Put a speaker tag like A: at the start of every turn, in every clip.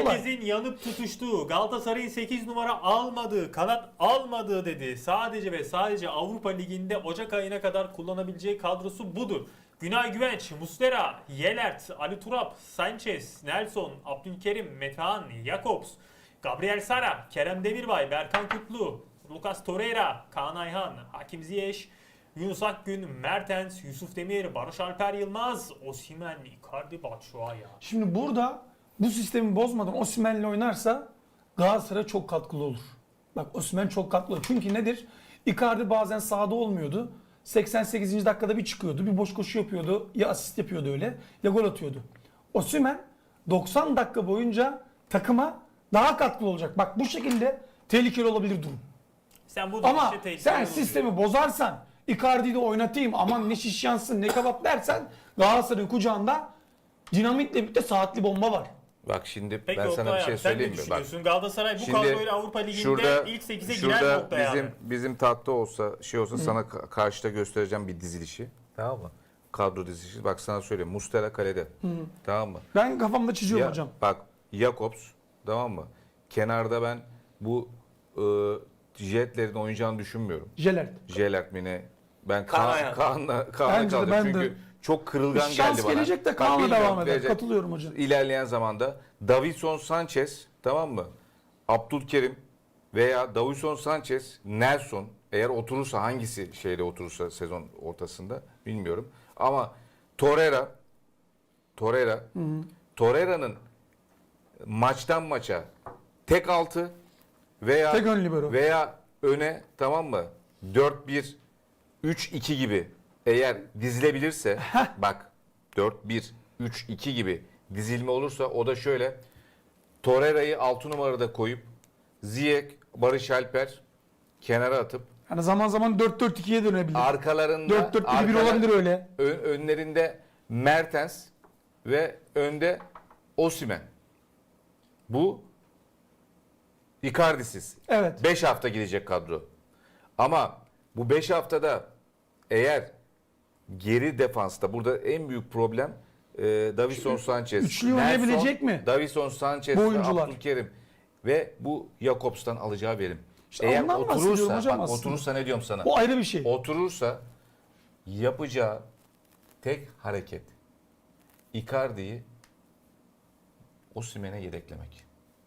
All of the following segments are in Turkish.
A: Herkesin yanıp tutuştuğu, Galatasaray'ın 8 numara almadığı, kanat almadığı dedi. Sadece ve sadece Avrupa Ligi'nde Ocak ayına kadar kullanabileceği kadrosu budur. Günay Güvenç, Muslera, Yelert, Ali Turap, Sanchez, Nelson, Abdülkerim, Metehan, Jakobs, Gabriel Sara, Kerem Demirbay, Berkan Kutlu, Lucas Torreira, Kaan Ayhan, Hakim Ziyech, Yunus Akgün, Mertens, Yusuf Demir, Barış Alper Yılmaz, Osimhen, Icardi, Batshuayi.
B: Şimdi burada bu sistemi bozmadan Osimhen'le oynarsa Galatasaray çok katkılı olur. Bak Osimhen çok katkılı olur. Çünkü nedir? Icardi bazen sahada olmuyordu. 88. dakikada bir çıkıyordu. Bir boş koşu yapıyordu. Ya asist yapıyordu öyle ya gol atıyordu. Osimhen 90 dakika boyunca takıma daha katkılı olacak. Bak bu şekilde tehlikeli olabilir durum.
A: Sen bu
B: Ama
A: işte tehlikeli
B: sen
A: oluyor.
B: sistemi bozarsan, Icardi'yi de oynatayım, aman ne şiş yansın ne kebap dersen Galatasaray'ın kucağında dinamitle birlikte saatli bomba var.
C: Bak şimdi
A: Peki
C: ben sana bir
A: Oktay
C: şey
A: abi, sen
C: söyleyeyim
A: ne
C: mi? Bak,
A: düşünüyorsun? Galatasaray bu
C: şimdi
A: kadroyla Avrupa Ligi'nde ilk 8'e girer noktaya yani.
C: bizim tahta olsa sana karşıda göstereceğim bir dizilişi. Tamam mı? Kadro dizilişi. Bak sana söyleyeyim. Muslera kalede. Tamam mı?
B: Ben kafamda çiziyorum hocam.
C: Bak Jakobs, tamam mı? Kenarda ben bu Jetler'in oynayacağını düşünmüyorum. Jelert mi ne? Ben Kaan'la
B: Bence de,
C: kaldım.
B: ben de.
C: Çünkü çok kırılgan
B: Bir
C: geldi bana.
B: şans gelecek de
C: Bak,
B: Kaan'la
C: bilmiyorum,
B: devam eder.
C: gelecek.
B: Katılıyorum hocam.
C: İlerleyen zamanda Davinson Sanchez, tamam mı? Abdülkerim veya Davinson Sanchez, Nelson eğer oturursa, hangisi şeyde oturursa sezon ortasında bilmiyorum. Ama Torreira'nın maçtan maça tek altı veya
B: Tek ön libero.
C: veya öne, tamam mı? 4-1-3-2 gibi eğer dizilebilirse bak 4-1-3-2 gibi dizilme olursa, o da şöyle: Torreira'yı 6 numarada koyup Ziyech, Barış Alper kenara atıp
B: Yani zaman zaman 4-4-2'ye dönebilir.
C: arkalarında
B: 4-4-2-1 olabilir öyle.
C: önlerinde Mertens ve önde Osimhen. Bu Icardi'siz.
B: Evet.
C: 5 hafta gidecek kadro. Ama bu 5 haftada eğer geri defansta, burada en büyük problem Davinson Sanchez,
B: Üçlü oynayabilecek mi?
C: Davinson Sanchez
B: Bu
C: ve
B: oyuncular.
C: Abdülkerim ve bu Jakobs'tan alacağı verim.
B: İşte
C: Eğer
B: ondan bahsediyorum
C: oturursa,
B: hocam
C: bak
B: aslında.
C: oturursa ne diyorum sana?
B: O ayrı bir şey.
C: Oturursa yapacağı tek hareket Icardi'yi Osimhen'e yedeklemek.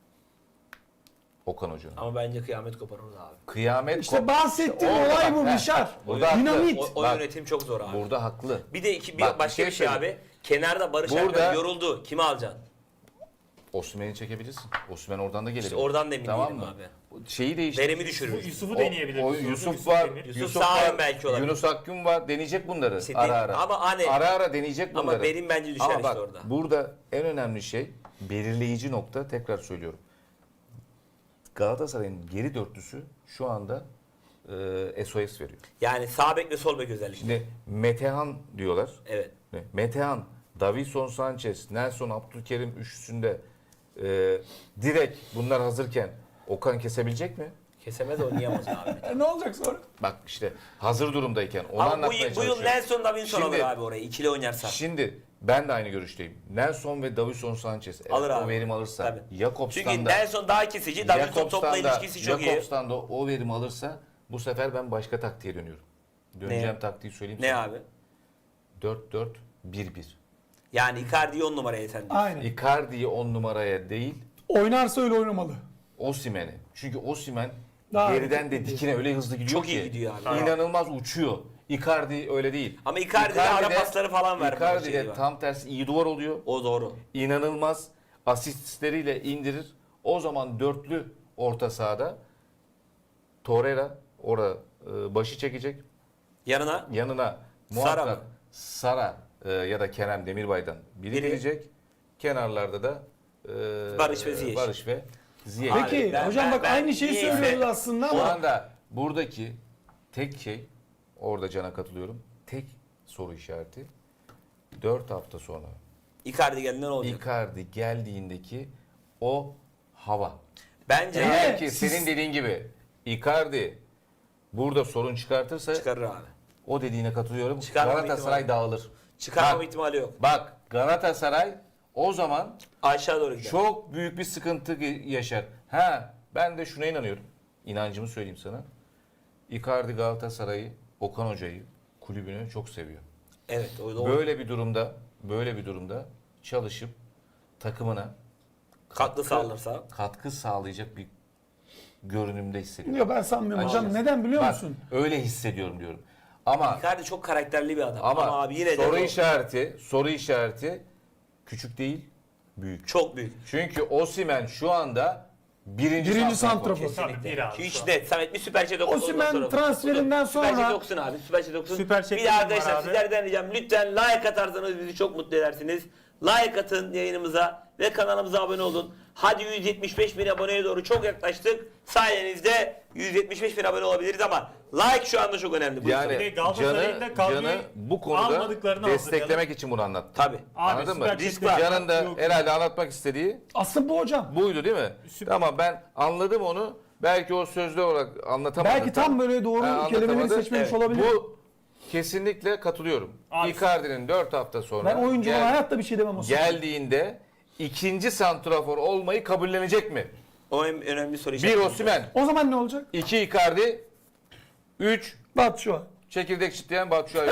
C: Okan Hoca'nın.
D: Ama bence kıyamet koparırız abi.
C: Kıyamet
B: İşte bahsettiğim
C: Orada
B: olay
C: bak,
B: bu
C: he.
B: Bişar.
C: Burada haklı.
B: Dinamit.
D: O
C: Bak,
D: yönetim çok zor abi.
C: burada haklı.
D: Bir de
C: Bak,
D: başka bir şey
C: söyleyeyim.
D: abi. Kenarda Barış
C: Burada-
D: Alper yoruldu. Kimi alacaksın?
C: Osimhen'i çekebilirsin. Osimhen oradan da gelebilir.
D: İşte oradan da emin
C: tamam
D: değilim
C: mı?
D: abi.
C: Şeyi değiştir.
D: Verimi düşürür.
A: Yusuf'u
C: O-
A: deneyebilir.
C: o Yusuf var.
A: Demir.
D: Yusuf sağ ön
C: var.
D: belki olabilir.
C: Yunus Akgün var. Deneyecek bunları
D: İşte
C: ara ara.
D: ama hani-
C: ara ara deneyecek bunları.
D: Ama verim bence düşer
C: Ama
D: işte
C: bak,
D: orada.
C: burada en önemli şey, belirleyici nokta, tekrar söylüyorum. Galatasaray'ın geri dörtlüsü şu anda SOS veriyor.
D: Yani sağ bek ve sol bek özellikle.
C: Şimdi Metehan diyorlar.
D: Evet.
C: Metehan, Davinson Sanchez, Nelson, Abdülkerim üçlüsünde direkt bunlar hazırken Okan kesebilecek mi?
D: Kesemez, oynayamaz abi.
B: Ne olacak sonra?
C: Bak işte hazır durumdayken onu
D: Ama bu
C: anlatmaya
D: yıl
C: çalışıyorum.
D: Nelson Davinson alır
C: Şimdi-
D: abi orayı. İkili oynarsa.
C: Şimdi ben de aynı görüşteyim. Nelson ve Davinson Sanchez eğer
D: Alır
C: o
D: abi.
C: verim alırsa,
D: Tabii.
C: Jakobs'tan
D: Çünkü
C: da
D: Nelson daha kesici. Davinson topla ilişkisi çok iyi.
C: Jakobs'tan da o verim alırsa, bu sefer ben başka taktiğe dönüyorum. Döneceğim
D: Ne?
C: taktiği söyleyeyim
D: Ne
C: sana.
D: abi?
C: 4-4-1-1.
D: Yani Icardi'yi 10 numaraya sen diyorsun.
B: Aynen.
C: Icardi'yi 10 numaraya değil,
B: Oynarsa öyle oynamalı.
C: Osimhen'i. Çünkü Osimhen
B: Daha
C: geriden
B: hareketli
C: de
B: gidiyor.
C: dikine öyle hızlı gidiyor
D: Çok
C: ki.
D: iyi gidiyor abi.
C: İnanılmaz uçuyor. Icardi öyle değil.
D: Ama Icardi'de ara pasları falan verme
C: Icardi
D: şeyi
C: de
D: var.
C: tam tersi iyi duvar oluyor.
D: O doğru.
C: İnanılmaz asistleriyle indirir. O zaman dörtlü orta sahada Torreira orada başı çekecek.
D: Yanına
C: Yanına
D: Sara
C: muhakkak
D: mı?
C: Sara ya da Kerem Demirbay'dan biri
D: Biri.
C: gelecek. Kenarlarda da
D: Barış ve Ziyech.
C: Barış ve Ziyech.
D: Abi,
B: Peki hocam bak aynı şeyi
D: niyeyse-
B: söylüyoruz aslında
C: Şu
B: ama
C: anda buradaki tek şey, orada Can'a katılıyorum, tek soru işareti 4 hafta sonra
D: Icardi geldiğinde ne olacak?
C: Icardi geldiğindeki o hava.
D: Bence
C: Eğer ki
B: siz-
C: senin dediğin gibi Icardi burada sorun çıkartırsa,
D: çıkarır abi.
C: o dediğine katılıyorum.
D: Çıkarmama
C: Galatasaray
D: ihtimali-
C: dağılır.
D: Çıkarmama
C: Bak,
D: ihtimali yok.
C: Bak Galatasaray o zaman
D: Aşağı doğru gider.
C: çok büyük bir sıkıntı yaşar. Ben de şuna inanıyorum. İnancımı söyleyeyim sana. Icardi Galatasaray'ı, Okan Hoca'yı, kulübünü çok seviyor.
D: Evet, o doğru.
C: Böyle bir durumda çalışıp takımına
D: Katkı sağlarsa.
C: katkı sağlayacak bir görünümde hissediyorum.
B: Yok ben sanmıyorum hocam.
C: Açıkçası.
B: Neden biliyor
C: Bak,
B: musun?
C: öyle hissediyorum diyorum. Ama
D: Icardi çok karakterli bir adam. Ama, abi yine de
C: soru işareti küçük değil, büyük.
D: çok büyük.
C: Çünkü Osimhen şu anda birinci
B: santrafor.
A: Tabii bir abi.
D: Hiç
A: şu an.
D: net. Samet bir Süper Chat okusun.
B: Osimhen transferinden
D: Süper Chat
B: sonra
D: okusun abi. Süper Chat okusun.
A: Süper Chat'im
D: Bir de
A: var
D: arkadaşlar
A: abi.
D: sizlerden ricam lütfen like atarsanız bizi çok mutlu edersiniz. Like atın yayınımıza ve kanalımıza abone olun. Hadi 175 bin aboneye doğru çok yaklaştık. Sayenizde 175 bin abone olabiliriz ama like şu anda çok önemli. Buyurun.
A: Bir de
C: Yani
A: Galatasaray'ın da kadroyu
C: Can'ı bu konuda
A: almadıklarını
C: desteklemek
A: hazırlayalım.
C: için bunu anlattım.
D: Tabii.
A: Abi,
C: Anladın mı?
A: Süper
D: Risk
A: Chat'te
D: var.
C: Can'ın da
A: yok.
C: herhalde anlatmak istediği
B: aslında bu hocam.
C: buydu değil mi?
A: Süper.
C: Tamam ben anladım onu. Belki o sözlü olarak anlatamadım.
B: Belki tam böyle doğru kelimeleri
C: anlatamadı.
B: seçmemiş
D: Evet.
B: olabilir.
C: Bu kesinlikle katılıyorum.
A: Abi-
C: Icardi'nin 4 hafta sonra
B: Ben oyunculara hayatta bir şey demem o zaman.
C: geldiğinde ikinci santrafor olmayı kabullenecek mi?
D: O önemli soru
C: 1
D: işareti.
C: Osimhen,
B: O zaman ne olacak?
C: 2 Icardi, 3
B: Bak şu an.
C: çekirdek çitleyen Batshuayi.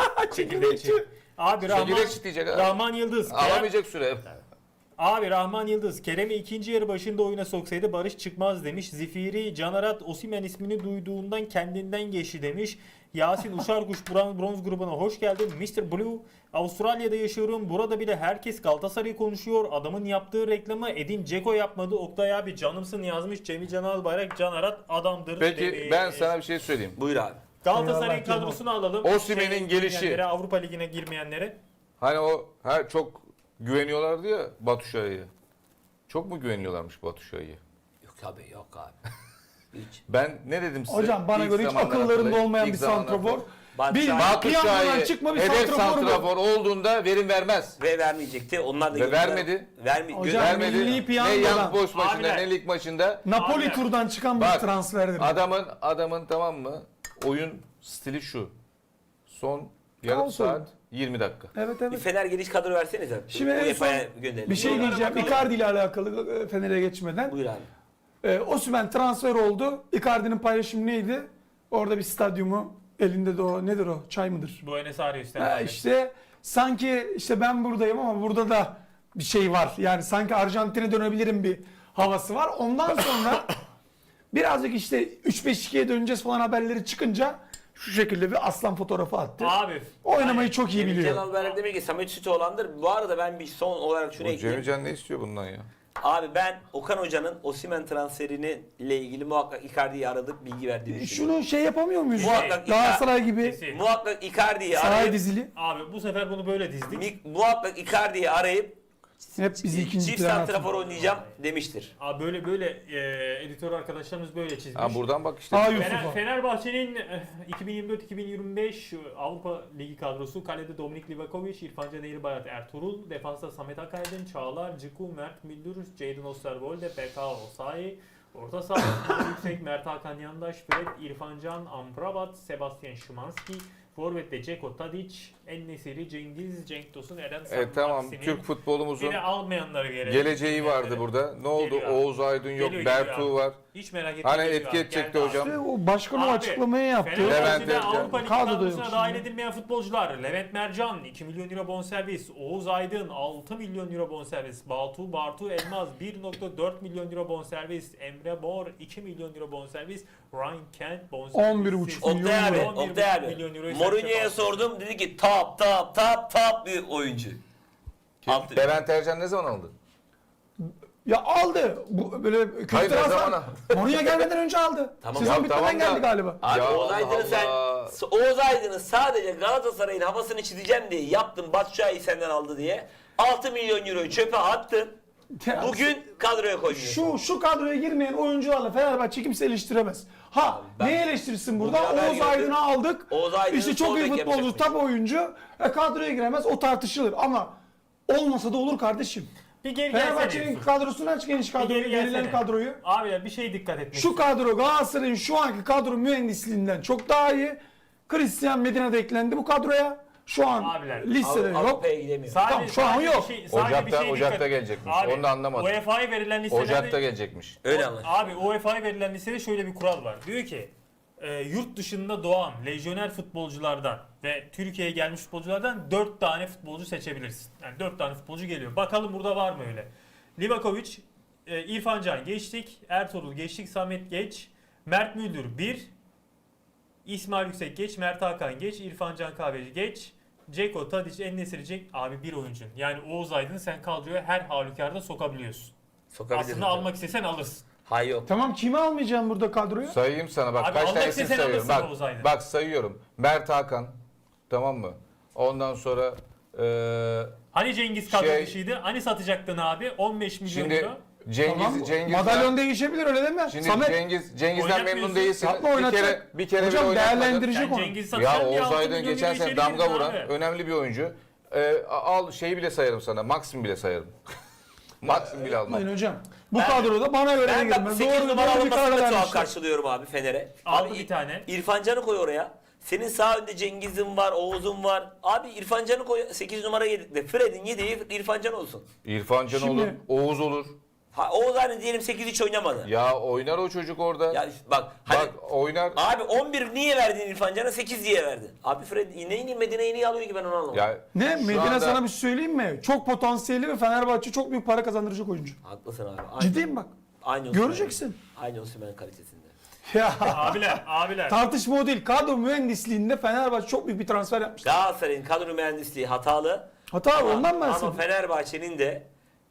A: Abi Rahman,
C: Çekirdek çitleyecek abi.
A: Rahman Yıldız.
C: Alamayacak süre.
A: Abi Rahman Yıldız Kerem'i ikinci yarı başında oyuna soksaydı Barış çıkmaz demiş. Zifiri Canarat Osimhen ismini duyduğundan kendinden geçti demiş. Yasin Uşarkuş bronz grubuna hoş geldin. Mr. Blue Avustralya'da yaşıyorum. Burada bile herkes Galatasaray'ı konuşuyor. Adamın yaptığı reklamı Edin Dzeko yapmadı. Oktay abi canımsın yazmış. Cemil Can Albayrak Canarat adamdır.
C: Peki
A: dedi.
C: ben sana bir şey söyleyeyim.
D: Buyur abi.
A: Galatasaray'ın
B: Eyvallah, canım.
A: kadrosunu alalım.
C: Osimhen'in gelişi.
A: girmeyenlere, Avrupa Ligi'ne girmeyenlere.
C: Hani çok güveniyorlardı ya Batshuayi'ye. Çok mu güveniyorlarmış Batshuayi'ye?
D: Yok abi yok abi. Hiç.
C: Ben ne dedim size?
B: Hocam bana
C: İlk
B: göre hiç
C: zamanlar
B: akıllarında
C: hatırlayın.
B: olmayan
C: İlk
B: bir
C: zamanlar
B: santrafor.
D: Batshuayi-
B: Piyangodan çıkma bir
C: hedef
B: santrafor bu.
C: santrafor olduğunda verim vermez.
D: Ve vermeyecekti. Onlar da
C: Ve vermedi.
B: Hocam,
C: Vermedi.
B: milli
C: Ne
B: piyangodan.
C: Young Boys maçında
A: Abiler.
C: ne lig maçında.
B: Napoli
A: Abi,
B: turdan çıkan bir
C: Bak,
B: transferdir.
C: Adamın tamam mı? Oyun stili şu. Son yarım
B: Kaos
C: saat
B: oyunu.
C: 20 dakika.
B: Evet
D: Bir
B: evet.
D: Fener geniş kadro versenize.
B: Şimdi en son
D: UEFA'ya gönderelim.
B: bir şey
A: Bunlara
B: diyeceğim.
A: bakalım.
B: Icardi ile alakalı Fener'e geçmeden.
D: Buyur abi.
B: Osimhen transfer oldu. Icardi'nin paylaşımı neydi? Orada bir stadyumu elinde de o nedir o? Çay mıdır?
A: Buenos Aires'ten
B: Ha,
A: abi.
B: işte sanki işte ben buradayım ama burada da bir şey var. Yani sanki Arjantin'e dönebilirim bir havası var. Ondan sonra birazcık işte 3-5-2'ye döneceğiz falan haberleri çıkınca şu şekilde bir aslan fotoğrafı attı.
A: Abi.
B: Oynamayı çok iyi
D: Cemil
B: biliyor.
D: Can Albayrak demek ki Samet Sütoğlan'dır. Bu arada ben bir son olarak şunu
C: O
D: ekleyeyim.
C: Cemil Can ne istiyor bundan ya?
D: Abi ben Okan Hoca'nın Osimhen transferini ile ilgili muhakkak Icardi'yi aradık bilgi verdiğini düşünüyorum.
B: Şunu şey yapamıyor muyuz?
D: Muhakkak
B: Galatasaray gibi
A: Kesin.
D: Muhakkak Icardi'yi
B: saray
D: arayıp
B: dizili.
A: Abi bu sefer bunu böyle dizdik.
D: muhakkak Icardi'yi arayıp
B: Hep bizi ikinci
D: çift
B: plana
D: santrafor
B: atıyor.
D: oynayacağım demiştir.
A: Abi böyle editör arkadaşlarımız böyle çizmiş.
C: Ha buradan bak işte.
B: Aa, Yusuf'a.
A: Fenerbahçe'nin 2024-2025 Avrupa Ligi kadrosu kalede Dominik Livakovic, İrfan Can Eğribayat, Ertuğrul, defansta Samet Akaydın, Çağlar, Ciku, Mert Müldür, Jadon Osterwolde, BK Osayi, orta saha İsmail Yüksek, Mert Hakan Yandaş, Fred, İrfan Can, Amrabat, Sebastian Szymanski, Forvet'te Ceko Tadic, En-Nesyri, Cengiz, Cenk Tosun, Eren
C: Tamam
A: Maksimin.
C: Türk futbolumuzun
A: Beni almayanları gelelim.
C: geleceği vardı burada. Ne oldu?
A: Geliyor abi.
C: Oğuz Aydın yok,
A: Geliyor,
C: Bertu
A: geliyor abi.
C: var.
A: Hiç merak etmeyin.
C: Hani
A: geliyor
C: etki
A: abi,
C: edecekti
A: geldi
C: hocam.
B: İşte o başkan o
A: Abi,
B: açıklamayı yaptı.
A: Fenerbahçe'de
C: Levent
A: Avrupa Ligi
B: Kadroda yok
A: kadrosuna
B: şimdi.
A: dahil edilmeyen futbolcular. Levent Mercan 2 milyon euro bonservis. Oğuz Aydın 6 milyon euro bonservis. Bartu Elmaz 1.4 milyon euro bonservis. Emre Mor 2 milyon euro bonservis. Ryan Kent bonservis.
B: 11,5 milyon
D: Oktay abi,
B: euro.
A: 11,5
D: Oktay abi.
A: milyon euroyu
D: Mourinho'ya
A: serçe
D: sordum dedi ki top bir oyuncu. Altı-
C: Levent Ercan ne zaman aldı?
B: Ya aldı. Bu böyle kötü
C: Hayır, ne
B: transfer.
C: zaman?
B: Mourinho gelmeden önce aldı.
D: Tamam.
B: Sezon
C: Ya,
B: bitmeden
C: tamam da-
B: geldi galiba.
D: Abi
C: Ya
D: Oğuz Aydın'ı
C: Allah
D: sen Oğuz Aydın'ı sadece Galatasaray'ın havasını çizeceğim diye yaptın. Batshuayi senden aldı diye. 6 milyon euroyu çöpe attın.
B: Ya,
D: Bugün kadroya koymuyorsun.
B: şu kadroya girmeyen oyuncularla Fenerbahçe kimse eleştiremez. Ha
D: ben-
B: neyi eleştirsin
D: Bugün
B: burada?
D: haber
B: Oğuz
D: gördüm.
B: Aydın'ı aldık.
D: Oğuz Aydın'ın
B: İşte çok
D: sol
B: iyi
D: bek
B: futbolcu,
D: yapacakmış.
B: top oyuncu. Kadroya giremez o tartışılır ama olmasa da olur kardeşim.
A: Bir geri gelsene.
B: Fenerbahçe'nin kadrosunu aç geniş
A: Bir
B: kadroyu,
A: geri
B: verilen
A: gelsene.
B: kadroyu.
A: Abiler bir şey dikkat etmek
B: Şu kadro Galatasaray'ın şu anki kadro mühendisliğinden çok daha iyi. Christian Medina da eklendi bu kadroya. Şu an
A: Abiler,
B: listede yok.
D: Avrupa'ya gidemiyor.
B: Tamam, şu an yok.
C: Ocak'ta gelecekmiş. Onu da anlamadım.
A: UEFA'ya verilen listelerde...
C: Ocak'ta gelecekmiş.
D: Öyle ama.
A: Abi UEFA'ya verilen listede şöyle bir kural var. Diyor ki yurt dışında doğan lejyoner futbolculardan ve Türkiye'ye gelmiş futbolculardan 4 tane futbolcu seçebilirsin. Yani 4 tane futbolcu geliyor. Bakalım burada var mı öyle? Livakovic, İrfan Can geçtik. Ertuğrul geçtik. Samet geç. Mert Müldür 1. İsmail Yüksek geç. Mert Hakan geç. İrfan Can Kahveci geç. Ceko, Tadic, En-Nesyri, Cenk abi bir oyuncun. Yani Oğuz Aydın'ı sen kadroya her halükarda sokabiliyorsun.
D: Sokabilirsin.
A: Aslında almak istesen alırsın.
D: Hayır yok.
B: Tamam, kimi almayacağım burada kadroya?
C: Sayayım sana bak
A: Abi
C: kaç
A: almak
C: tanesini
A: istesen
C: sayıyorum.
A: alırsın Oğuz
C: Bak,
A: Aydın.
C: bak sayıyorum. Mert Hakan, tamam mı? Ondan sonra
A: Hani Cengiz kadro
C: Şey-
A: dışıydı? Hani satacaktın abi? 15 milyon
C: şimdi
A: euro.
C: Cengiz
B: Madalyon değişebilir, öyle deme.
C: Şimdi
B: Samet
C: Cengiz'den
A: Oynatmıyorsun.
C: memnun değilsin.
B: Yapma,
C: Bir
B: oynatacak.
C: kere
B: Hocam
C: bile oynatmadın.
B: değerlendirecek
A: Sen
B: onu.
A: Cengiz'i satacaksın
C: Ya
A: diye
C: Oğuz
A: 6
C: Aydın
A: milyon
C: geçen
A: euro
C: sene
A: içeri
C: damga
A: girdin
C: vuran
A: abi.
C: önemli bir oyuncu. Al şeyi bile sayarım sana. Maxim bile sayarım. Maxim bile almam.
B: Yapmayın hocam. Bu kadroda bana göre de
D: Ben
B: girmez.
D: bak 8 numara
B: doğru bir karar
D: alınmasını da tuhaf
B: vermişler.
D: karşılıyorum abi Fener'e.
A: Aldı
D: Abi
A: bir tane.
D: İrfan Can'ı koy oraya. Senin sağ önde Cengiz'in var, Oğuz'un var. Abi İrfan Can'ı koy 8 numara yedikte. Fred'in yediği İrfan Can olsun.
C: İrfan Can
B: Şimdi-
C: olur, Oğuz olur.
D: Ha, Oğuz hani diyelim 8 hiç oynamadı.
C: Ya oynar o çocuk orada.
D: Ya bak hani
C: Bak oynar.
D: abi 11 niye verdin İrfan Can'a 8 diye verdin. Abi Fred neyin Medine'yi niye alıyor ki ben onu anlamadım.
C: Ya
B: Ne?
C: şu
B: Medine
C: anda-
B: sana bir şey söyleyeyim mi? Çok potansiyelli ve Fenerbahçe çok büyük para kazandıracak oyuncu.
D: Haklısın abi. Aynı,
B: Ciddiyim bak.
D: Aynı Osimhen.
B: Göreceksin.
D: Aynı Osimhen kalitesinde.
B: Ya
A: Abiler.
B: tartışma o değil. Kadro mühendisliğinde Fenerbahçe çok büyük bir transfer yapmış.
D: Galatasaray'ın kadro mühendisliği hatalı.
B: Hata abi, ondan
D: Ama
B: bahsediyorum.
D: Fenerbahçe'nin de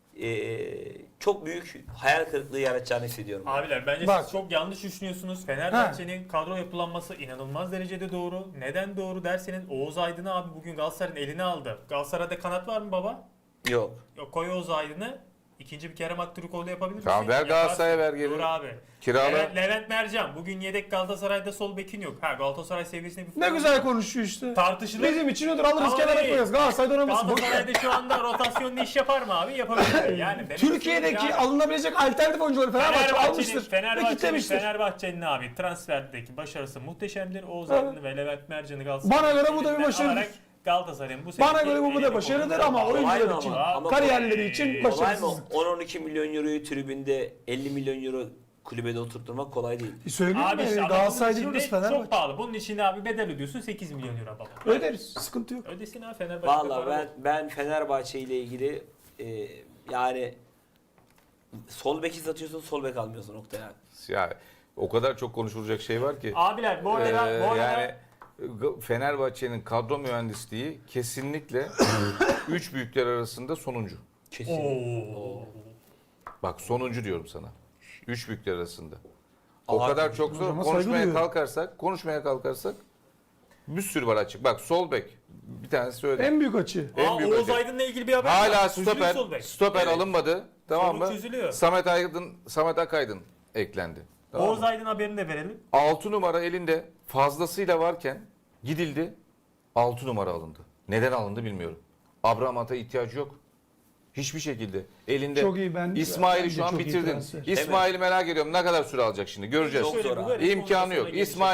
D: çok büyük hayal kırıklığı yaratacağını hissediyorum.
A: Abiler bence
B: Bak.
A: siz çok yanlış düşünüyorsunuz. Fenerbahçe'nin kadro yapılanması inanılmaz derecede doğru. Neden doğru derseniz Oğuz Aydın'ı abi bugün Galatasaray'ın eline aldı. Galatasaray'da kanat var mı baba?
D: Yok.
A: Yok, koy Oğuz Aydın'ı. İkinci bir Kerem Aktürkoğlu yapabilir misin?
C: Tamam, ver Galatasaray'a, ver
A: Yaparsın.
C: geri.
A: Dur abi.
C: Kirala.
A: Levent Mercan. Bugün yedek Galatasaray'da sol bekin yok. Ha, Galatasaray seviyesinde bir
B: Ne
A: futbol-
B: güzel konuşuyor işte.
A: Tartışılır.
B: Bizim için odur, alırız
A: Ama
B: kenara
A: değil.
B: koyarız. Galatasaray'da oynamasın. Boş ver.
A: Galatasaray'da şu anda rotasyonlu iş yapar mı abi? Yapabilir. Yani demek
B: Türkiye'deki
A: istediğim yani-
B: alınabilecek alternatif oyuncuları Fenerbahçe almıştır. Ve kitlemiştir.
A: Fenerbahçe'nin abi transferdeki başarısı muhteşemdir. Oğuz Aydın'ı ve Levent Mercan'ı Galatasaray.
B: Bana göre bu da bir başarıdır.
A: Galatasaray'ın bu
B: Bana
A: seneki
B: göre bu da
A: elini
B: başarıdır
A: kolunu
B: ama
A: sağlam.
B: oyuncular
D: Kolay
B: için,
D: mı ama?
B: kariyerleri için
D: Kolay mı?
B: başarısızlık.
D: 10-12 milyon euroyu tribünde 50 milyon euro kulübede oturtturmak kolay değil.
B: Söyleyeyim
A: Abi işte
B: mi?
A: ama
B: Galatasaray
A: bunun
B: değil
A: içinde
B: orası
A: çok
B: Fenerbahçe.
A: pahalı. Bunun için abi bedel ödüyorsun 8 milyon euro baba.
B: Öderiz. Sıkıntı yok.
A: Ödesin abi Fenerbahçe.
D: Vallahi ben Fenerbahçe ile ilgili yani sol beki satıyorsun, sol bek almıyorsun nokta yani.
C: Ya o kadar çok konuşulacak şey var ki.
A: Abiler bu arada
C: Yani Fenerbahçe'nin kadro mühendisliği kesinlikle üç büyükler arasında sonuncu.
D: Kesin.
A: Oo.
C: Bak sonuncu diyorum sana. Üç büyükler arasında. O
D: Aa,
C: kadar çok zor.
B: hocama saygı duyuyorum.
C: Konuşmaya kalkarsak bir sürü var açık. Bak sol bek bir tanesi söyle.
B: En büyük açı.
C: En büyük
A: Oğuz
C: açık.
A: Aydın'la ilgili bir haber
C: Hala
A: var. Çözülüyor sol bek.
C: stoper
A: Evet.
C: alınmadı. Tamam
A: Sorun
C: mı?
A: çözülüyor.
C: Samet Akaydın eklendi. Tamam
A: Oğuz
C: mı?
A: Aydın haberini de verelim.
C: 6 numara elinde fazlasıyla varken gidildi 6 numara alındı. Neden alındı bilmiyorum. Abramat'a ihtiyacı yok. Hiçbir şekilde. Elinde
B: Çok iyi,
C: İsmail'i
B: bence
C: şu an
B: çok iyi
C: bitirdin.
B: transfer.
C: İsmail'i merak ediyorum. Ne kadar süre alacak şimdi? Göreceğiz.
D: Çok zor abi.
C: İmkanı yok.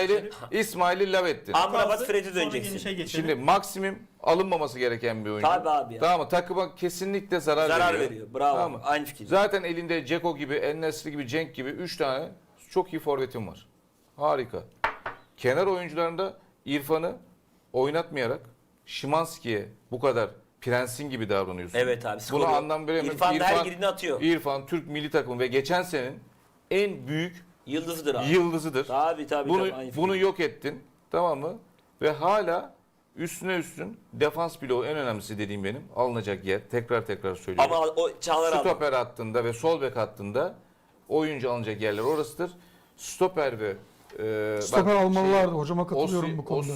C: İsmail'i lavettin.
D: Amrabat Fred'e
A: Sonra
D: döneceksin.
A: genişe geçelim.
C: Şimdi maksimum alınmaması gereken bir oyuncu.
D: Tabii abi ya.
C: Tamam mı? Takıma kesinlikle zarar
D: veriyor. Bravo.
C: Tamam mı?
D: Aynı fikir.
C: Zaten elinde Ceko gibi, En-Nesyri gibi, Cenk gibi 3 tane çok iyi forvetin var. Harika. Kenar oyuncularında İrfan'ı oynatmayarak Şimanski'ye bu kadar prensin gibi davranıyorsun.
D: Evet abi.
C: Buna anlam veremiyorum.
D: İrfan da her girdiğini atıyor.
C: İrfan Türk milli takımı ve geçen senenin en büyük
D: Yıldızıdır abi.
C: yıldızıdır.
D: Tabii
C: Bunu
D: aynı fikir.
C: bunu yok ettin. Tamam mı? Ve hala üstüne üstün defans bloğu en önemlisi dediğim benim alınacak yer. Tekrar söylüyorum.
D: Ama o Çağlar aldı.
C: Stoper hattında ve sol bek hattında oyuncu alınacak yerler orasıdır. Stoper ve
B: Stoper almalılardı. Hocama katılıyorum bu konuda.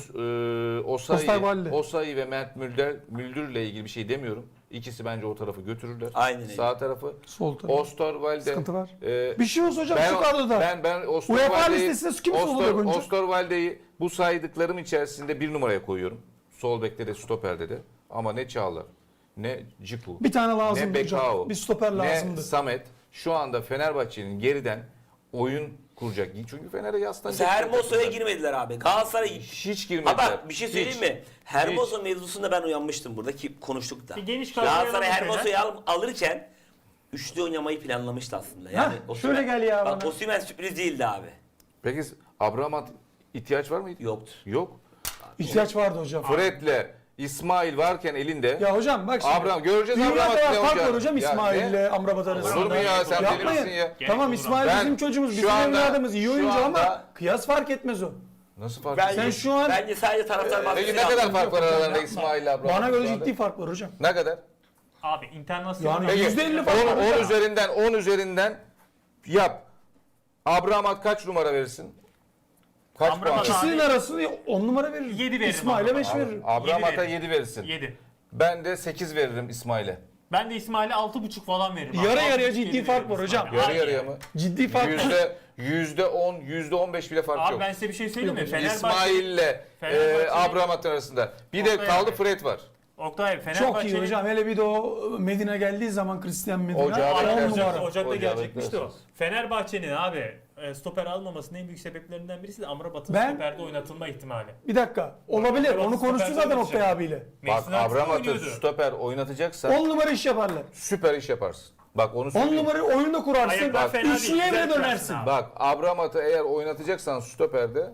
B: Osterwalde.
C: Osayi ve Mert Müldür'le ilgili bir şey demiyorum. İkisi bence o tarafı götürürler.
D: Aynen öyle.
C: Sağ tarafı.
B: Sol taraf.
C: Osterwalde.
B: Sıkıntı var.
C: e,
B: Bir şey olsa hocam şu kadroda.
C: Ben
B: UEFA listesinde kim sol bek oyuncu?
C: Osterwalde'yi bu saydıklarım içerisinde bir numaraya koyuyorum. Sol bekte de stoperde de. Ama ne Çağlar, ne Ciku,
B: Bir tane
C: ne
B: lazımdı
C: Bekao,
B: hocam. Bir stoper
C: ne
B: lazımdı.
C: Samet şu anda Fenerbahçe'nin geriden oyun kuracak. Çünkü Fener'e yaslanacak.
D: Mesela Hermoso'ya girmediler abi. Galatasaray
C: Hiç girmediler.
D: Ha bak bir şey söyleyeyim
C: Hiç.
D: mi? Hermoso mevzusunda ben uyanmıştım burada ki konuştuk da.
A: Bir geniş kadroya
D: Galatasaray
A: alalım
D: Hermoso'yu alırken üçlü oynamayı planlamıştı aslında. Yani
B: Hah, şöyle gel ya
D: Bak
B: bana.
D: Osimhen sürpriz değildi abi.
C: Peki Abramat ihtiyaç var mıydı?
D: Yoktur.
C: Yok.
B: İhtiyaç vardı hocam.
C: Fred'le İsmail varken elinde.
B: Ya hocam bak şimdi.
C: Abraham göreceğiz
B: Dünya
C: Abramat'ı
B: kadar
C: ne
B: fark
C: olacak?
B: var hocam
C: Ya
B: İsmail
C: ne?
B: ile Amrabat arasında.
C: Olur mu ya sen deli
B: Yapmayın.
C: misin ya?
B: Tamam
A: Gerek
B: İsmail
C: Ben
B: bizim çocuğumuz,
C: şu
B: bizim
C: anda-
B: evladımız, iyi
C: şu
B: oyuncu
C: anda-
B: ama kıyas fark etmez o.
C: Nasıl fark
D: Bence,
C: ediyor?
B: Sen şu an-
D: bence sadece taraftar baskısı
C: Peki ne kadar
D: yaptı.
C: fark var aralarında İsmail ile Abramat?
B: Bana göre
C: şu anda?
B: ciddi fark var hocam.
C: Ne kadar?
A: Abi internasyonel.
B: Yani
C: Peki
B: %50 fark var
C: 10
B: hocam.
C: üzerinden 10 üzerinden yap. Abramat kaç numara verirsin? Kaç
A: Amrabat
C: puan?
A: abi-
B: İkisinin arasını 10 numara veririm.
A: 7 veririm
B: İsmail'e 5
A: Amrabat'a.
B: veririm.
C: Abramat'a
A: Yedi
C: 7 verirsin.
A: 7.
C: Ben de 8 veririm İsmail'e.
A: Ben de İsmail'e 6,5 falan veririm. abi.
B: Yarı yarıya
A: 6,5
B: ciddi
A: yedi
B: fark
A: veririm
B: var hocam.
A: İsmail'e.
C: Yarı
A: Hayır
C: yarıya
A: yani.
C: mı?
B: Ciddi fark var.
C: %10, %15 bile fark
A: Abi
C: yok.
A: ben size bir şey söyleyeyim mi?
B: Yok,
A: Fenerbahçe,
C: İsmail'le Abramat'ın arasında. Bir de
A: Oktay
C: kaldı
A: abi.
C: Fred var.
A: Oktay
B: Çok
A: Fenerbahçe'nin
B: iyi hocam. Hele bir de o Medine geldiği zaman Christian Medine.
C: Ocağı
B: 10
C: beklersin.
B: numara.
A: Ocak'ta
C: Ocağı
A: gelecekmişti o.
C: beklersiniz.
A: Fenerbahçe'nin abi stoper almamasının en büyük sebeplerinden birisi de Amrabat'ın
B: Ben-
A: stoperde oynatılma ihtimali.
B: Bir dakika. Olabilir.
A: Amrabat
B: Onu konuştuk
A: stoper
B: zaten
A: oynatacak.
B: Oktay abiyle.
C: Bak
A: Mason Arts'ta
C: Abramat'ı
A: oynuyordu.
C: stoper oynatacaksan
B: 10 numara iş yaparlar.
C: süper iş yaparsın. Bak onu
B: 10
C: söyleyeyim.
B: numarayı oyunda kurarsın.
A: Ayaklar fena değil,
B: Üçlüye
A: güzel
B: bile
A: kurarsın
B: dönersin.
A: abi.
C: Bak Abramat'ı eğer oynatacaksan stoperde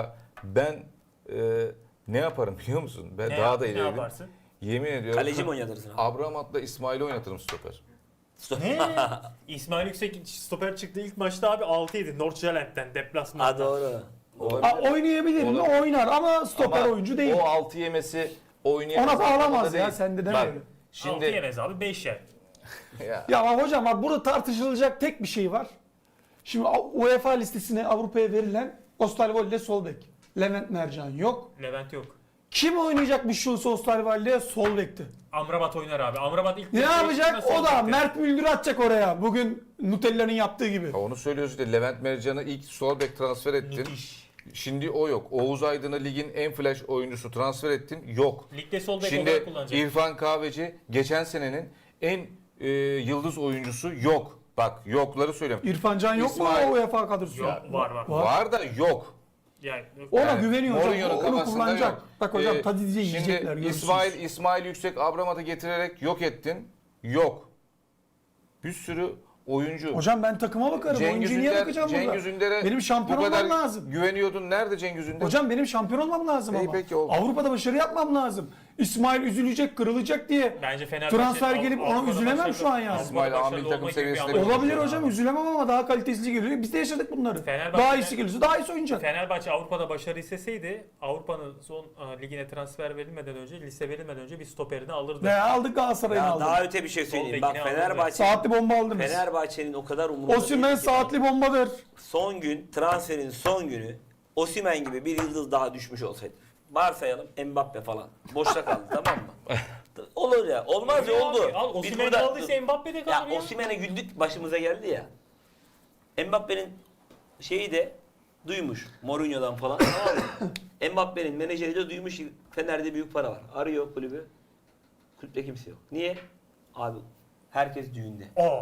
C: ben ne yaparım biliyor musun? Ben
A: Ne,
C: daha da
A: ne
C: ileriyim.
A: yaparsın?
C: Yemin ediyorum.
D: Kaleci mi oynatırsın abi?
C: Abramat'la İsmail'i oynatırım stoper.
A: Ne? İsmail Yüksek stoper çıktı ilk maçta abi 6-7 Nordsjælland'den deplasmanda.
D: Ha doğru.
B: Oynayabilir mi?
C: Olabilir.
B: Oynar ama stoper
C: Ama
B: oyuncu değil.
C: O 6 yemesi oynayamaz.
B: Ona bağlamaz
C: anlamında
B: ya,
C: değil.
B: sen de deme
C: Bak,
B: öyle.
A: 6
C: Şimdi
A: yemez abi 5 yer.
C: ya,
B: Ya ama hocam bak burada tartışılacak tek bir şey var. Şimdi UEFA listesine Avrupa'ya verilen Osterwolde sol bek. Levent Mercan yok.
A: Levent yok.
B: Kim oynayacak bir Schulz Osterwolde sol bekti?
A: Amrabat oynar abi. Amrabat ilk
B: Ne
A: maçta
B: yapacak?
A: nasıl
B: O da
A: olacaktı?
B: Mert Müldür atacak oraya. Bugün Nutella'nın yaptığı gibi.
C: onu söylüyoruz işte Levent Mercan'ı ilk sol bek transfer ettin.
A: Müthiş.
C: Şimdi o yok. Oğuz Aydın'ı ligin en flash oyuncusu transfer ettin. Yok.
A: Ligde sol bek
C: Şimdi
A: olarak kullanacak.
C: İrfan Kahveci geçen senenin en yıldız oyuncusu yok. Bak yokları söylüyorum.
B: İrfan Can yok
C: İsmail-
B: mu o UEFA kadrosu?
A: Yok, var.
C: Var da yok.
A: Yani,
B: Ona
C: Yani
B: güveniyor hocam.
C: Mourinho'nun
B: Onu
C: kafasında
B: kullanacak.
C: yok.
B: Bak hocam Tadic'e
C: Şimdi
B: yiyecekler. görürsünüz.
C: İsmail Yüksek Abramat'ı getirerek yok ettin. Yok. Bir sürü oyuncu.
B: Hocam ben takıma bakarım. Oyuncuya niye bakacağım burada?
C: Ünder'e
B: Benim şampiyon
C: bu kadar
B: olmam lazım.
C: güveniyordun. Nerede Cengiz Ünder?
B: Hocam benim şampiyon olmam lazım
C: İyi
B: ama.
C: peki oldu.
B: Avrupa'da başarı yapmam lazım. İsmail üzülecek, kırılacak diye.
A: bence Fenerbahçe
B: Transfer gelip ona
A: Avrupa'da
B: üzülemem
A: başarılı-
B: şu an yani.
C: İsmail
A: Avrupa'da
C: amil
A: başarılı
C: takım
A: olma gibi bir
C: seviyesinde
A: anlamı
C: bir
A: yok.
B: Olabilir hocam üzülemem ama daha kalitesi geliyor. Biz de yaşadık bunları.
A: Fenerbahçe-
B: Daha iyisi gelirse daha iyisi oynayacak.
A: Fenerbahçe Avrupa'da başarı isteseydi Avrupa'nın son ligine transfer verilmeden önce, liste verilmeden önce bir stoperini alırdı.
B: Ne aldık Galatasaray'ın
D: Ya
B: aldık.
D: daha öte bir şey söyleyeyim.
A: Sol
D: Bak
A: bekini
B: Saatli bomba aldınız.
D: Fenerbahçe'nin o kadar umurunda
B: Osimhen
D: değil ki.
B: saatli bombadır.
D: Son gün transferin son günü Osimhen gibi bir yıldız daha düşmüş olsaydı. Varsayalım Mbappe falan. Boşta kaldı tamam mı? Olur ya. Olmaz ya oldu.
A: Al
D: Biz
A: Osimhen'i
D: burada-
A: aldıysa Mbappe de
D: Ya
A: kalır ya.
D: Osimhen'e güldük başımıza geldi ya. Mbappe'nin şeyi de duymuş Mourinho'dan falan tamam mı? Mbappe'nin menajeri de duymuş Fener'de büyük para var. Arıyor kulübü. Kulüpte kimse yok. Niye? Abi herkes düğünde.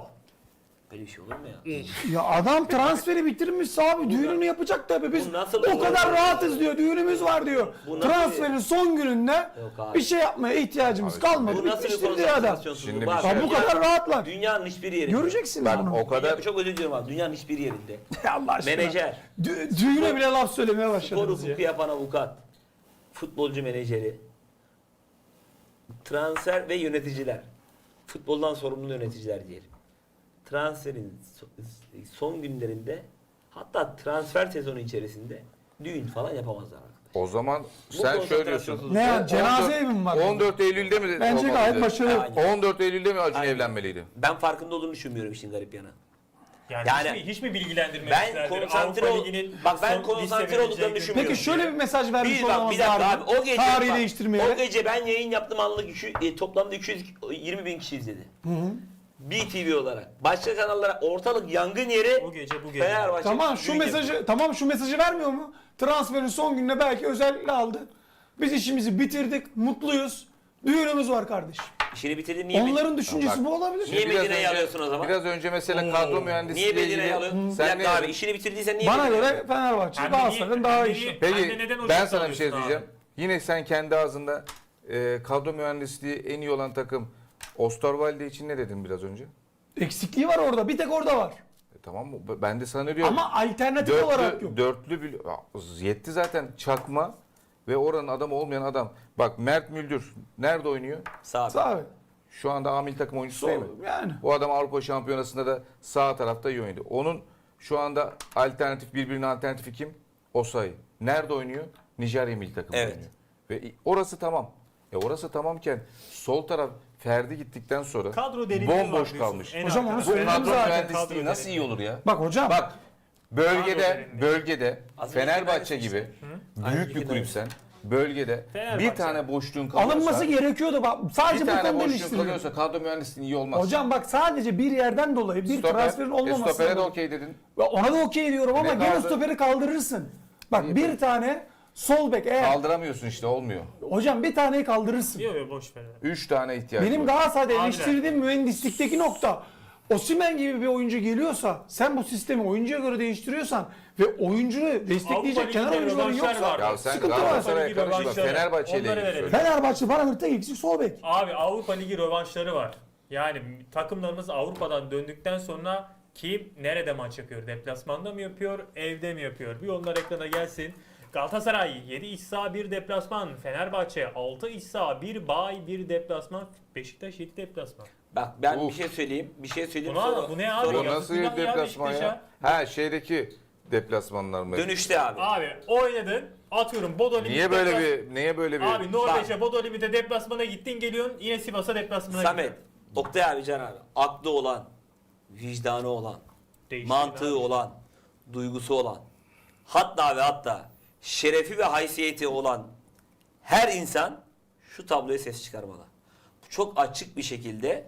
D: Böyle bir şey olur mu ya?
B: Ya adam transferi bitirmiş abi. Düğününü yapacak tabii. Biz
D: Bu nasıl
B: o
D: olur?
B: kadar rahatız diyor. Düğünümüz var diyor.
D: Bu nasıl
B: Transferin son gününde
D: Yok abi.
B: bir şey yapmaya ihtiyacımız
C: Abi,
B: kalmadı.
D: Bu nasıl bir
B: Bitmiştir diyor adam.
D: konsantrasyonsuzluk?
C: Şimdi
D: Bak,
C: bir şey-
B: Ya bu kadar rahatlar.
D: Dünyanın hiçbir yerinde.
B: Göreceksiniz
C: Bak
B: onu.
C: o kadar
D: Çok özür diliyorum abi. Dünyanın hiçbir yerinde.
B: Allah aşkına.
D: Menajer,
B: Düğüne bile laf söylemeye
D: spor
B: başladınız ya.
D: hukuku yapan avukat, futbolcu menajeri, transfer ve yöneticiler. Futboldan sorumlu yöneticiler diyelim. Transferin son günlerinde hatta transfer sezonu içerisinde düğün falan yapamazlar arkadaşlar.
C: o zaman
D: Bu
C: sen şöyle diyorsun.
D: konsantrasyonsuzluk-
B: Ne ya cenaze evi mi var?
C: 14 Eylül'de mi?
B: Bence
C: olmalıydı?
B: gayet başarılı.
D: Aynen.
C: 14 Eylül'de mi Acun
D: Aynen.
C: evlenmeliydi?
D: Ben farkında olduğunu düşünmüyorum işin garip yanı.
A: Yani,
D: Yani
A: hiç mi bilgilendirmek
D: ben
A: isterdir?
D: konsantre
A: Avrupa
D: ol-
A: Ligi'nin
D: bak ben
A: son
D: konsantre
A: liste
D: olduklarını
A: verileceği
D: düşünmüyorum.
B: Peki şöyle bir mesaj vermiş
D: Bir bak
B: olamaz
D: bir dakika abi o gece
B: Tarihi
D: bak,
B: değiştirmeye.
D: o gece ben yayın yaptım anlık toplamda 220 bin kişi izledi. BTV olarak. Başka kanallara ortalık yangın yeri
A: O gece bu gece.
D: Fenerbahçe.
B: Tamam şu
D: düğün
B: mesajı
D: yapıyor.
B: tamam şu mesajı vermiyor mu? Transferin son gününe belki özellikle aldı. Biz işimizi bitirdik, mutluyuz. Düğünümüz var kardeşim.
D: İşini bitirdin niye
B: Onların düşüncesi
C: Bak.
B: bu olabilir.
D: Niye
C: Biraz
D: Medine'yi
C: önce-
D: alıyorsun o zaman?
C: Biraz önce mesela kadro mühendisliği
D: Niye
C: ile
D: Medine'yi
C: ilgili
D: alıyorsun? Bir
C: sen
D: dakika
C: ne
D: abi işini bitirdiysen niye
B: Bana
D: Medine'yi
B: göre
D: alıyorsun?
B: Fenerbahçe
A: Hem de
B: Galatasaray'ın
A: niye-
B: daha
A: hem de
B: iyi.
A: niye-
C: Peki
A: Hem de neden
C: ben
A: hocam
C: sana bir şey
A: alıyorsun
C: diyeceğim.
A: abi?
C: Yine sen kendi ağzında kadro mühendisliği en iyi olan takım Osterwalde için ne dedin biraz önce?
B: Eksikliği var orada. Bir tek orada var.
C: Tamam mı? Ben de sana diyorum.
B: Ama alternatif olarak yok.
C: Yetti zaten çakma ve oranın adamı olmayan adam. Bak Mert Müldür nerede oynuyor?
D: Sağ ol.
B: Sağ ol.
C: Şu anda A milli takım oyuncusu değil mi?
B: Yani.
C: O adam Avrupa Şampiyonası'nda da sağ tarafta iyi oynadı. Onun şu anda birbirine alternatifi kim? Osayi. Nerede oynuyor? Nijerya milli takımı
D: Evet.
C: oynuyor. Ve orası tamam. Orası tamamken sol taraf Ferdi gittikten sonra
A: Kadro derinliği var
C: bomboş
A: diyorsun.
C: kalmış.
A: En
B: Hocam onu
A: arkada.
C: Bu
B: söyledim
C: kadro
B: zaten.
C: mühendisliği
A: Kadro
C: nasıl iyi olur ya?
B: Bak hocam.
C: Bak
A: derinliği.
C: bölgede
D: Az
C: Fenerbahçe
D: önce
C: gibi
D: Aynı
C: büyük bir
D: fikirde.
C: kulüpsen bölgede
A: Fenerbahçe.
C: bir tane boşluğun kalıyorsa
B: alınması gerekiyordu. Bak, sadece
C: bir
B: bu
C: tane
B: konuda
C: boşluğun
B: eleştiriyorum.
C: kalıyorsa kadro mühendisliği iyi olmaz.
B: Hocam bak sadece bir yerden dolayı bir transferin olmaması.
C: Stopere de okey dedin.
B: Ona da okey diyorum ama
C: Ne
B: gene
C: kaldı?
B: stoperi kaldırırsın. Bak
C: İyi,
B: bir tane sol bek eğer.
C: Kaldıramıyorsun işte olmuyor.
B: Hocam bir taneyi kaldırırsın.
A: Yok yok boş ver.
C: 3 tane ihtiyaç
B: Benim
C: var.
B: Galatasaray'da
A: Abiler.
B: eleştirdiğim mühendislikteki nokta. Osimhen gibi bir oyuncu geliyorsa sen bu sistemi oyuncuya göre değiştiriyorsan ve oyuncuyu
A: Avrupa
B: destekleyecek kenar
A: Ligi'nde
B: oyuncuların
A: rövanşlar
B: yoksa
A: var.
C: Ya sen
B: sıkıntı var.
C: Galatasaray'a
A: Avrupa Ligi
C: karışma.
A: rövanşları.
C: Fenerbahçe ile
A: Onları
C: ilgili
A: verelim.
C: söyle.
B: Fenerbahçe bana hırtta eksik sol bek.
A: Abi Avrupa Ligi rövanşları var. Yani takımlarımız Avrupa'dan döndükten sonra kim nerede maç yapıyor? Deplasmanda mı yapıyor? Evde mi yapıyor? Bir onlar ekrana gelsin. Galatasaray 7 iç saha 1 deplasman. Fenerbahçe 6 iç saha 1 bay 1 deplasman. Beşiktaş 7 deplasman.
D: Bak ben
C: Uf.
D: bir şey söyleyeyim. Bir şey söyleyeyim.
A: Bu ne abi?
C: Bu
A: Yazık
C: nasıl
A: günah
C: bir
A: ya
C: deplasman ya? Ha şeydeki deplasmanlar mı?
D: Dönüşte abi.
A: Abi oynadın. Atıyorum Bodo Limit
C: Niye böyle bir
A: Abi Norveç'e Bodo Limit'e deplasmana gittin geliyorsun. Yine Sivas'a deplasmana
D: Samet,
A: gidiyorsun.
D: Oktay abi Can abi. Aklı olan, vicdanı olan,
A: Değiştirin
D: mantığı
A: abi.
D: olan, duygusu olan, hatta ve hatta şerefi ve haysiyeti olan her insan şu tabloya ses çıkarmalı. Bu çok açık bir şekilde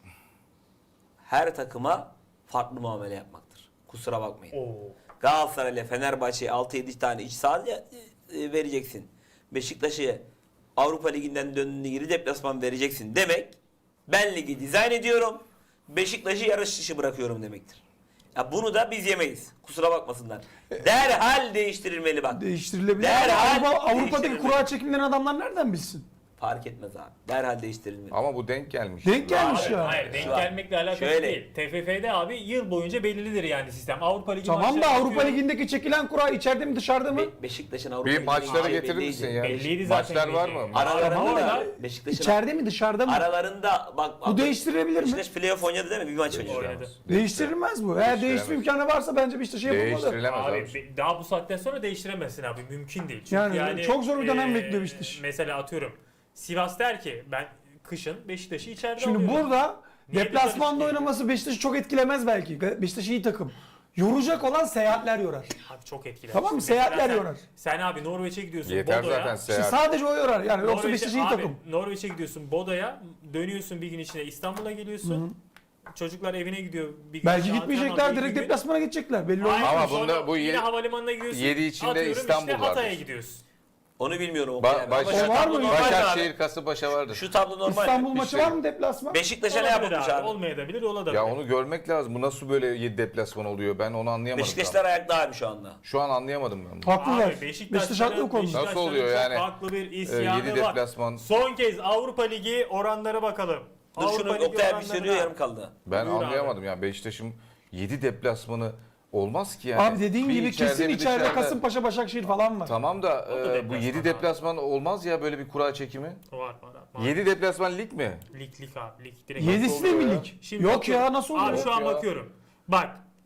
D: her takıma farklı muamele yapmaktır. Kusura bakmayın.
A: Oo.
D: Galatasaray ile Fenerbahçe'ye 6-7 tane iç saha vereceksin. Beşiktaş'a Avrupa Ligi'nden döndüğünde geri deplasman vereceksin demek, ben ligi dizayn ediyorum, Beşiktaş'ı yarış dışı bırakıyorum demektir. Ya bunu da biz yemeyiz. Kusura bakmasınlar. Derhal değiştirilmeli bak.
B: Değiştirilebilir.
D: Derhal
B: Avrupa'daki
D: değiştirilmeli.
B: kura çekimlerini adamlar nereden bilsin?
D: Fark etmez abi. Derhal değiştirilmeli.
C: Ama bu denk gelmiş.
B: Denk gelmiş
A: Abi,
B: ya.
A: hayır denk
D: Şu an
A: gelmekle alakası
D: şöyle.
A: değil. TFF'de abi yıl boyunca belirlidir yani sistem. Avrupa Ligi
B: Tamam da
A: maçları
B: Avrupa
A: yapıyor.
B: Ligi'ndeki çekilen kura içeride mi dışarıda mı?
D: Beşiktaş'ın Avrupa
C: Bir
D: Ligi'ne
C: maçları
D: gideceği
C: getirir
D: belliydi.
C: misin ya?
A: Belliydi zaten
C: Maçlar var
A: belli.
C: mı?
D: Aralarında
A: Ama
D: da
A: orada
D: Beşiktaş'ın
B: İçeride mi dışarıda mı?
D: aralarında bak
B: Bu değiştirilebilir mi?
D: Beşiktaş playoff oynadı değil mi? Bir maç oynadı.
A: oynadı.
B: Değiştirilmez bu. Eğer değiştirme imkanı varsa bence Beşiktaş'a yapılmalı.
C: Değiştirilemez
A: Abi
C: abi.
A: daha bu saatten sonra değiştiremezsin abi. Mümkün değil. Çünkü
B: Yani çok zor bir dönem bekliyor Beşiktaş.
A: Mesela atıyorum Sivas der ki ben kışın Beşiktaş'ı içeride
B: Şimdi
A: alıyorum.
B: burada
A: Niye
B: deplasmanda
A: dışarı
B: oynaması Beşiktaş'ı çok etkilemez belki. Beşiktaş iyi takım. Yoracak olan seyahatler yorar.
A: Abi çok etkiler.
B: Tamam mı?
A: Mesela
B: Seyahatler
A: sen-
B: yorar.
A: Sen abi Norveç'e gidiyorsun
C: Yeter
A: Bodo'ya.
C: zaten
B: İşte
C: seyahat.
B: sadece o yorar. Yani yoksa
A: Norveç'e-
B: Beşiktaş iyi
A: abi,
B: takım.
A: Norveç'e gidiyorsun Bodo'ya. Dönüyorsun bir gün içinde İstanbul'a geliyorsun. Çocuklar evine gidiyor. Bir gün
B: Belki
A: işte
B: gitmeyecekler,
A: antrenman,
B: direkt
A: bir gün.
B: deplasmana gidecekler. Belli
A: Aynen.
B: olmaz.
C: Ama
A: Sonra
C: bunda bu
A: yine
C: yedi-
A: havalimanına gidiyorsun.
C: 7 içinde
A: Atıyorum
C: İstanbul
A: işte Hatay'a
C: vardır.
A: gidiyorsun.
D: Onu bilmiyorum. Oktay abi.
C: Baş,
D: Ama şu
B: O var
D: tablo
B: mı?
D: normal abi.
C: Başakşehir, Kasımpaşa vardır.
D: Şu tablo normal.
B: İstanbul
C: Bir
B: maçı
C: şey-
B: var mı deplasman?
D: Beşiktaş'a ne
A: Olabilir
D: yapılmış abi?
A: Olmayabilir, olabilir.
C: Ya onu görmek lazım. Bu nasıl böyle 7 deplasman oluyor? Ben onu anlayamadım.
D: Beşiktaşlar ayakta abi şu anda.
C: Şu an anlayamadım ben bunu.
B: Haklılar.
A: Abi
B: Beşiktaş haklı bu konuda.
C: Nasıl oluyor yani?
A: Farklı bir isyanı
C: 7
A: var.
C: deplasman.
A: Son kez Avrupa Ligi oranlara bakalım.
D: Dur şunu
A: Ligi
D: Oktay abi
A: oranlarına-
D: söylüyor yarım kaldı.
C: Ben
A: Buyur abi.
C: anlayamadım ya. Beşiktaş'ın 7 deplasmanı olmaz ki yani.
B: Abi dediğin
C: Bir
B: gibi kesin
C: bir
B: içeride
C: dışarıda.
B: Kasımpaşa, Başakşehir falan var.
C: Tamam da
A: O da
C: bu
A: deplasman
C: 7
A: abi.
C: deplasman olmaz ya böyle bir kura çekimi.
A: Var.
C: 7 deplasman lig mi?
A: Lig abi. Lig direkt.
B: Yedisi de mi
C: oluyor ya?
B: lig?
A: Şimdi
B: Yok
A: bakıyorum.
B: ya nasıl
A: Abi
B: oluyor?
A: şu an
C: ya.
A: bakıyorum. Bak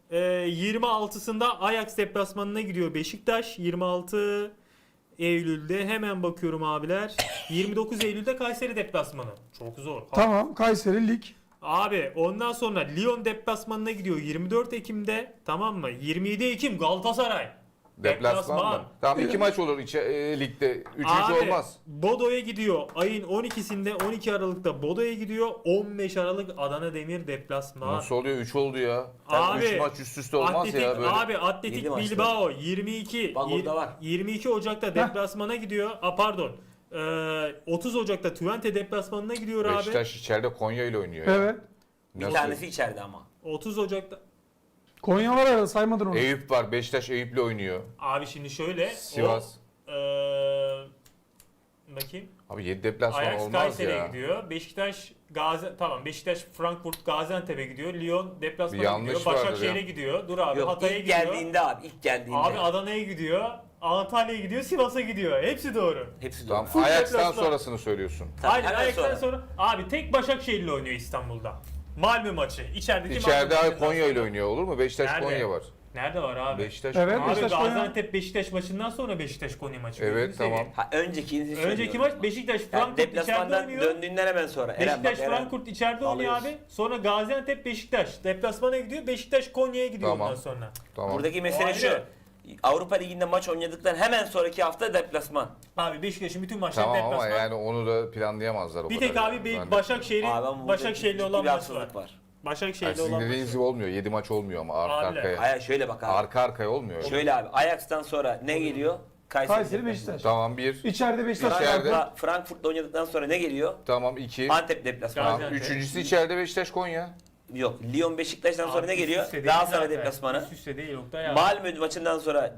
A: 26'sında Ajax deplasmanına gidiyor Beşiktaş. 26 Eylül'de hemen bakıyorum abiler. 29 Eylül'de Kayseri deplasmanı. Çok zor.
B: Tamam Kayseri lig.
A: Abi ondan sonra Lyon deplasmanına gidiyor 24 Ekim'de, tamam mı? 27 Ekim Galatasaray.
C: Deplasman mı? Tamam 2 maç olur ligde. 3.
A: Abi,
C: olmaz.
A: Bodo'ya gidiyor. Ayın 12'sinde 12 Aralık'ta Bodo'ya gidiyor. 15 Aralık Adana Demir deplasman.
C: Nasıl oluyor? 3 oldu ya.
A: Abi,
C: 3 maç üst üste olmaz ya böyle.
A: Abi Atletik
D: Yedi maçta.
A: Bilbao 22
D: Bak orada var.
A: 22 Ocak'ta deplasmana gidiyor. Pardon. 30 Ocak'ta Twente deplasmanına gidiyor abi.
C: Beşiktaş içeride Konya ile oynuyor. ya.
B: Evet.
D: Bir
C: Nasıl?
D: tanesi içeride ama.
A: 30 Ocak'ta.
B: Konya var arada saymadın onu.
C: Eyüp var. Beşiktaş Eyüp'le oynuyor.
A: Abi şimdi şöyle.
C: Sivas.
A: Bakayım.
C: Abi 7 deplasman
A: Ajax
C: olmaz
A: Kayseri'ye
C: ya.
A: gidiyor. Beşiktaş Beşiktaş Frankfurt Gaziantep'e gidiyor. Lyon
C: Bir
A: deplasmana
C: yanlış
A: gidiyor.
C: vardır
A: Başakşehir'e
C: ya.
A: gidiyor. Dur abi
D: Yok
A: Hatay'a
D: ilk
A: gidiyor.
D: geldiğinde abi ilk geldiğinde.
A: Abi Adana'ya gidiyor. Antalya'ya gidiyor. Sivas'a gidiyor. Hepsi doğru.
D: Hepsi doğru.
C: Tamam.
A: Full
C: Ajax'tan
A: deplasman.
C: sonrasını söylüyorsun.
D: Tabii,
A: Aynen
D: hemen
A: Ajax'tan
D: sonra.
A: sonra. Abi tek Başakşehir'le oynuyor İstanbul'da. Malmö maçı. İçerideki
C: İçeride
A: Malmö
C: abi
A: maçından
C: Konya ile
A: sonra.
C: oynuyor olur mu? Beşiktaş
A: Nerede?
C: Konya var.
A: Nerede var abi?
C: Beşiktaş
B: Evet.
A: Abi
B: Beşiktaş Konya.
A: Gaziantep Beşiktaş maçından sonra Beşiktaş Konya maçı.
C: Evet,
A: Gözünü seveyim.
C: tamam.
D: Ha, önceki
A: Önceki maç Beşiktaş
D: yani
A: Frankfurt içeride
D: deplasmandan
A: oynuyor.
D: döndüğünden hemen sonra. Eren,
A: Beşiktaş
D: bak, Eren.
A: Frankfurt içeride oynuyor
D: Alıyoruz.
A: abi. Sonra Gaziantep Beşiktaş deplasmana gidiyor. Beşiktaş Konya'ya gidiyor
C: Tamam.
A: ondan sonra.
C: Tamam.
D: Buradaki
A: O
D: mesele
A: ayrı.
D: şu. Avrupa Ligi'nde maç oynadıktan hemen sonraki hafta deplasman.
A: Abi Beşiktaş'ın bütün maçları
C: Tamam ama
A: deplasman.
C: yani onu da planlayamazlar o
A: Bir
C: kadar.
A: tek abi
C: yani.
A: bir
C: Ben de-
A: Başakşehir'in
D: Abi ama burada
A: Başakşehir'le
D: ciddi
A: olan
D: bir
A: maçı var.
D: haksızlık var.
C: Yani
A: Başakşehir'le
C: sizin
A: olan
C: dediğiniz
A: maçı
C: gibi
A: var.
C: olmuyor. 7 maç olmuyor ama arka
A: Abiler.
C: arkaya.
D: Hayır şöyle bak abi.
C: Arka arkaya olmuyor.
D: Şöyle abi Ajax'tan sonra ne geliyor?
B: Kayseri Beşiktaş.
C: Tamam 1.
B: İçeride Beşiktaş.
C: İçeride.
D: Frankfurt'la oynadıktan sonra ne geliyor?
C: Tamam 2.
D: Antep deplasmanı.
C: Tamam.
A: Gaziantep.
C: Üçüncüsü içeride Beşiktaş Konya.
D: Yok. Lyon Beşiktaş'tan sonra
A: Abi
D: ne
A: üst
D: geliyor?
A: üste değil
D: Galatasaray
A: zaten.
D: deplasmanı.
A: Üst üste değil Oktay ya.
D: Malmö maçından sonra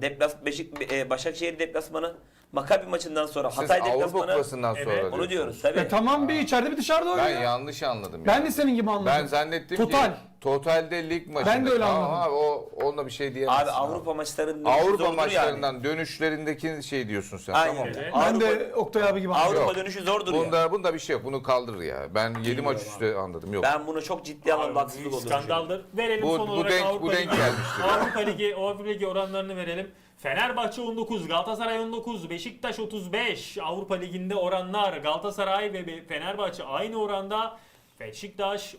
D: Başakşehir deplasmanı. Maccabi maçından sonra
C: Siz
D: Hatay
C: Avrupa
D: deplasmanı.
C: Kupası'ndan
A: Evet,
C: sonra
A: onu
D: Onu
C: diyorsunuz.
D: diyoruz tabii.
B: Tamam bir içeride bir dışarıda oynuyor.
C: Ben yanlış anladım.
B: Ben
C: ya.
B: de senin gibi anladım.
C: Ben zannettim
B: Total.
C: ki totalde lig maçı.
B: Ben de öyle
C: Tamam
B: anladım.
C: Abi, onunla bir şey diyemezsin.
D: Abi Avrupa maçlarının dönüşü
C: Avrupa
D: zordur
C: maçlarından dönüşlerindeki şey diyorsun sen.
D: Aynen.
C: Tamam.
A: Evet.
B: Ben
D: Avrupa,
B: de Oktay abi gibi anladım.
D: Avrupa
C: Yok.
D: dönüşü zordur ya.
C: Bunda bir şey yok. Bunu kaldır ya. Ben 7 maç üstü anladım. Yok.
D: Ben bunu çok ciddi
A: Abi,
D: anlamda haksızlık
A: büyük
D: olduğunu düşünüyorum.
A: skandaldır. Verelim
C: Bu-
A: son
C: bu
A: olarak
C: denk-
A: Avrupa
C: bu denk
A: Ligi.
C: gelmiştir.
A: Avrupa Ligi oranlarını verelim. Fenerbahçe 19, Galatasaray 19, Beşiktaş 35. Avrupa Ligi'nde oranlar Galatasaray ve Fenerbahçe aynı oranda. Beşiktaş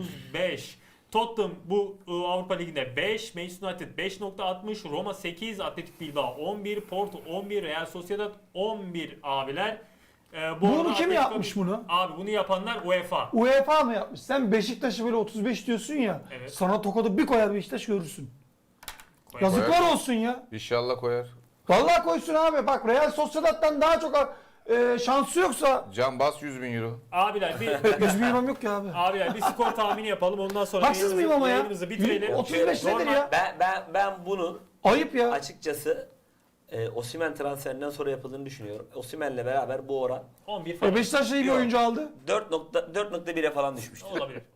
A: 35. Tottenham bu Avrupa Ligi'nde 5, Manchester United 5.60, Roma 8, Atletik Bilbao 11, Porto 11, Real Sociedad 11 abiler.
B: Bunu
A: arada
B: kim
A: Atletico-
B: yapmış bunu?
A: Abi bunu yapanlar UEFA.
B: UEFA mı yapmış? Sen Beşiktaş'ı böyle 35 diyorsun ya.
A: Evet.
B: Sana tokadı bir koyar Beşiktaş görürsün.
A: Koyar.
B: Yazıklar olsun ya.
C: İnşallah koyar.
B: Vallahi koysun abi. Bak Real Sociedad'dan daha çok şansı yoksa
C: Can bas 100.000 euro.
A: Abiler bir
B: 100 milyon yok ki abi.
A: Abiler bir skor tahmini yapalım ondan sonra
B: Haksız mıyım ama ya?
A: yayınımızı bitirelim.
B: 35 nedir
A: Normal-
B: ya?
D: Ben bunun
B: Ayıp ya.
D: açıkçası Osimhen transferinden sonra yapıldığını düşünüyorum. Osimhen'le beraber bu oran
A: 11 falan.
B: Beşiktaş iyi bir
D: Yok.
B: oyuncu aldı.
D: 4.1'e falan düşmüştür.
A: Olabilir.